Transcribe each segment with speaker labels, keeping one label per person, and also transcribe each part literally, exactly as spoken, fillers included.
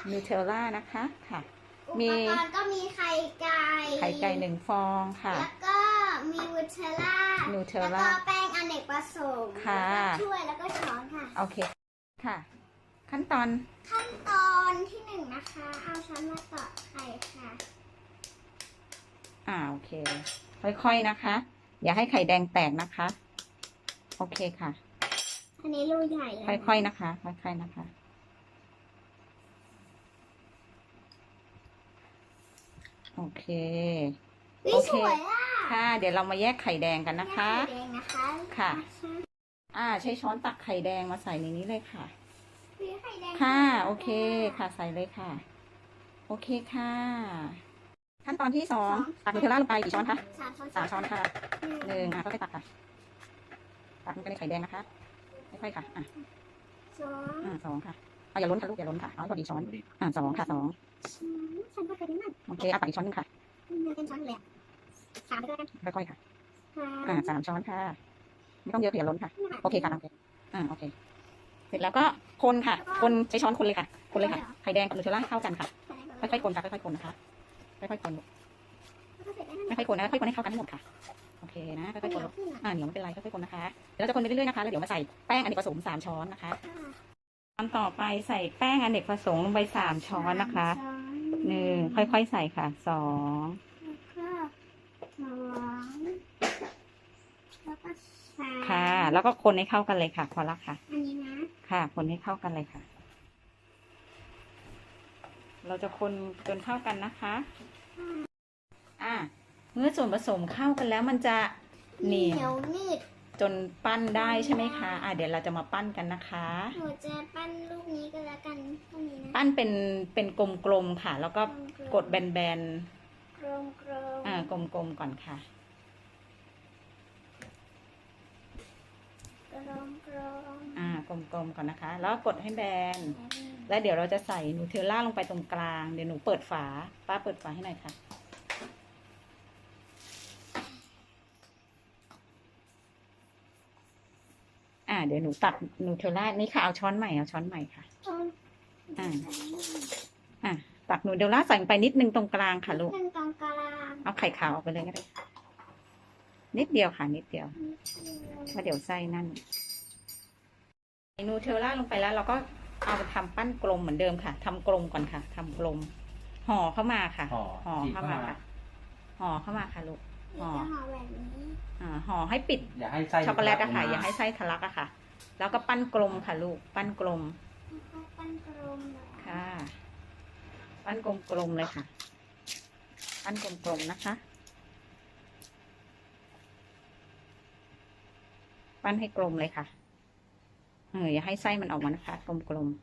Speaker 1: นูเทลล่านะคะค่ะ
Speaker 2: อุปกรณ์ก็มีไข่ไก่
Speaker 1: ไข่ไก่หนึ่งฟองค่ะ
Speaker 2: แล้วก็มีนูเทลล่า
Speaker 1: นูเทล
Speaker 2: แล้ว
Speaker 1: ล่า
Speaker 2: ก็แป้งอเนกประสงค์
Speaker 1: ค่ะ
Speaker 2: ถ้วยแล้วก็ช้อนค่ะ
Speaker 1: โอเคค่ะขั้นตอน
Speaker 2: ขั้นตอนที่หนึ่งนะคะเอาช้อนมาตอกไข่ค่ะ
Speaker 1: อ่าโอเคค่อยๆนะคะ อย่าให้ไข่แดงแตกนะคะโอเคค่ะ
Speaker 2: อันนี้รูใหญ่เลย
Speaker 1: ค่อยๆนะคะค่อยๆนะคะโอเคโอเคค่ะเดี๋ยวเรามาแยกไข่แดงกันนะคะ
Speaker 2: ไข่แดงนะคะ
Speaker 1: ค่ะอ่าใช้ช้อนตักไข่แดงมาใส่ในนี้เลยค่ะ
Speaker 2: ไข่แดง
Speaker 1: ค่ะโอเคค่ะใส่เลยค่ะโอเคค่ะขั้นตอนที่สองตักนูเทลล่าลงไปกี่ช้อนคะ
Speaker 2: สามช้อน
Speaker 1: สามช้อนค่ะหนึ่งอ่ะค่อยๆตักค่ะตักลงไปในไข่แดงนะคะค่อยๆค่ะอ่ะ
Speaker 2: สอง
Speaker 1: อ่าสองค่ะเอาอย่าล้นค่ะลูกอย่าล้นค่ะเอาให้พอดีช้อนอ่าสองค่ะสอง
Speaker 2: ฉันก็เคยได้นั่น
Speaker 1: โอเคเอาตักอีกช้อนนึงค่ะ
Speaker 2: เป็นช้อนเลยสามไปด้วยกัน
Speaker 1: ค่อยๆค่ะอ่าสามช้อนค่ะไม่ต้องเยอะอย่าล้นค่ะโอเคค่ะโอเคอ่าโอเคเสร็จแล้วก็คนค่ะคนใช้ช้อนคนเลยค่ะคนเลยค่ะไข่แดงกับนูเทลล่าเข้ากันค่ะค่อยๆคนค่ะค่อยๆคนนะคะค่อยๆคนค่อยๆคนนะค่อยๆคนให้เข้ากันให้หมดค่ะโอเคนะค่อยๆคนอ่าเหนียวไม่เป็นไรค่อยๆคนนะคะเดี๋ยวเราจะคนไปเรื่อยๆนะคะแล้วเดี๋ยวมาใส่แป้งอเนกประสงค์สามช้อนนะคะตอนต่อไปใส่แป้งอเนกประสงค์ลงไปสามช้อนนะคะหนึ่งค่อยๆใส่ค่ะสองค่ะแล้วก็คนให้เข้ากันเลยค่ะพอละค่ะ
Speaker 2: อันนี้นะ
Speaker 1: ค่ะคนให้เข้ากันเลยค่ะเราจะคนจนเข้ากันนะคะอ่าเมื่อส่วนผสมเข้ากันแล้วมันจะเหนียว
Speaker 2: นิด
Speaker 1: จนปั้นได้ใช่ไหมคะอ่าเดี๋ยวเราจะมาปั้นกันนะคะ
Speaker 2: หนูจะปั้นลูกนี้ก็แล้วกันตรงนี้นะ
Speaker 1: ปั้นเป็นเป็นกลมๆค่ะแล้วก็กดแบนๆก
Speaker 2: ลมกลม
Speaker 1: อ่ากลมๆก่อนค่ะ
Speaker 2: กลมกลม
Speaker 1: อ่ากลมๆก่อนนะคะแล้วกดให้แบนแล้วเดี๋ยวเราจะใส่นูเทลล่าลงไปตรงกลางเดี๋ยวหนูเปิดฝาป้าเปิดฝาให้หน่อยค่ะอ่าเดี๋ยวหนูตักนูเทลล่านี่ค่ะเอาช้อนใหม่เอาช้อนใหม่ค่ะอ่าอ่าตักนูเทลล่าใส่ไปนิดนึงตรงกลางค่ะลูก
Speaker 2: ตรงกลาง
Speaker 1: เอาไข่ขาวออกไปเลยก็ได้นิดเดียวค่ะนิดเดียวเพราะเดี๋ยวไส้นั่นนูเทลล่าลงไปแล้วเราก็เอาไปทำปั้นกลมเหมือนเดิมค่ะทำกลมก่อนค่ะทำกลมห่อเข้ามาค่ะห่อเข้ามาค่ะห่อเข้ามาค่ะลูก
Speaker 2: ห่อห่อแบบนี้
Speaker 1: อ่าห่อให้ปิด
Speaker 3: อย่าให้ไส้
Speaker 1: ช็อกโกแลตอะค่ะอย่าให้ไส้ทะลักอะค่ะแล้วก็ปั้นกลมค่ะลูกปั้นกลม
Speaker 2: ปั้นกลม
Speaker 1: ค่ะปั้นกลมๆเลยค่ะปั้นกลมๆนะคะปั้นให้กลมเลยค่ะเอออย่าให้ไส้มันออกมานะคะกลม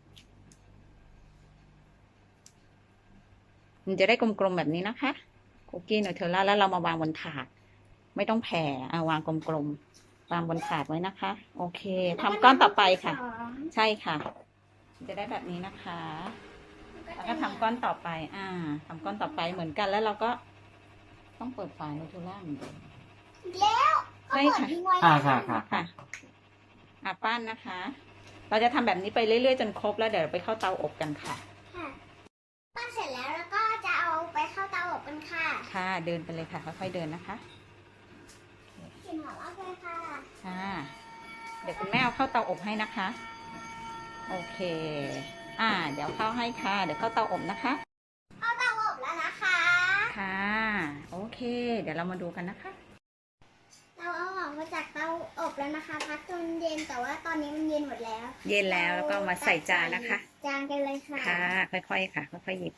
Speaker 1: ๆมันจะได้กลมๆแบบนี้นะคะคุกกี้นูเทลล่าแล้วเรามาวางบนถาดไม่ต้องแผ่เอาวางกลมๆวางบนถาดไว้นะคะโอเคทำก้อนต่อไปค่ะใช่ค่ะจะได้แบบนี้นะคะแล้วก็ทำก้อนต่อไปอ่าทำก้อนต่อไปเหมือนกันแล้วเราก็ต้องเปิดฝานูเทลล่าเหมือนเดิม
Speaker 2: แล้ว
Speaker 1: ใช่ค่ะ
Speaker 3: ค่ะค่ะค่ะ
Speaker 1: ค่ะอ่ะปั้นนะคะ เราจะทำแบบนี้ไปเรื่อยๆจนครบแล้วเดี๋ยวไปเข้าเตาอบกันค่ะ
Speaker 2: ค่ะปั้นเสร็จแล้วแล้วก็จะเอาไปเข้าเตาอบกันค่ะ
Speaker 1: ค่ะเดินไปเลยค่ะค่อยๆเดินนะคะ
Speaker 2: กลิ่นหอมมากเลยค่ะ
Speaker 1: ค่ะเดี๋ยวคุณแม่เอาเข้าเตาอบให้นะคะโอเคอ่าเดี๋ยวเข้าให้ค่ะเดี๋ยวเข้าเตาอบนะคะ
Speaker 2: เข้าเตาอบแล้วนะคะ
Speaker 1: ค่ะโอเคเดี๋ยวเรามาดูกันนะคะ
Speaker 2: เราเอาออกมาจากเตาอบแล้วนะคะพักจนเย็นแต่ว่าตอนนี้มันเย็นหมดแล้ว
Speaker 1: เย็นแล้วแล้วก็มาใส่จานนะคะ
Speaker 2: จานกันเลยค่ะ
Speaker 1: ค่ะค่อยๆค่ะค่อยๆหยิบ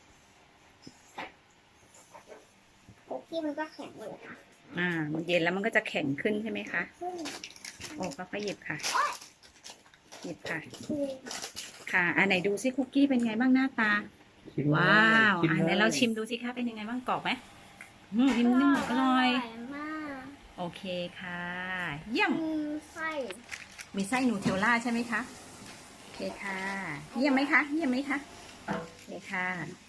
Speaker 2: คุกกี้มันก็แข็งเลยค่ะ
Speaker 1: อ่ามันเย็นแล้วมันก็จะแข็งขึ้นใช่ไหมคะโอ้ค่อยๆหยิบค่ะหยิบค่ะค่ะอันไหนดูซิคุกกี้เป็นไงบ้างหน้าตาว้าวอันไหนเราชิมดูสิคะเป็นยังไงบ้างกรอบไหมอืมนิ่มๆอร่อยโอเคค่ะเยี่ยม
Speaker 2: มีไส้
Speaker 1: มีไส้นูเทลล่าใช่ไหมคะโอเคค่ะเยี่ยมไหมคะเยี่ยมไหมคะโอเคค่ะ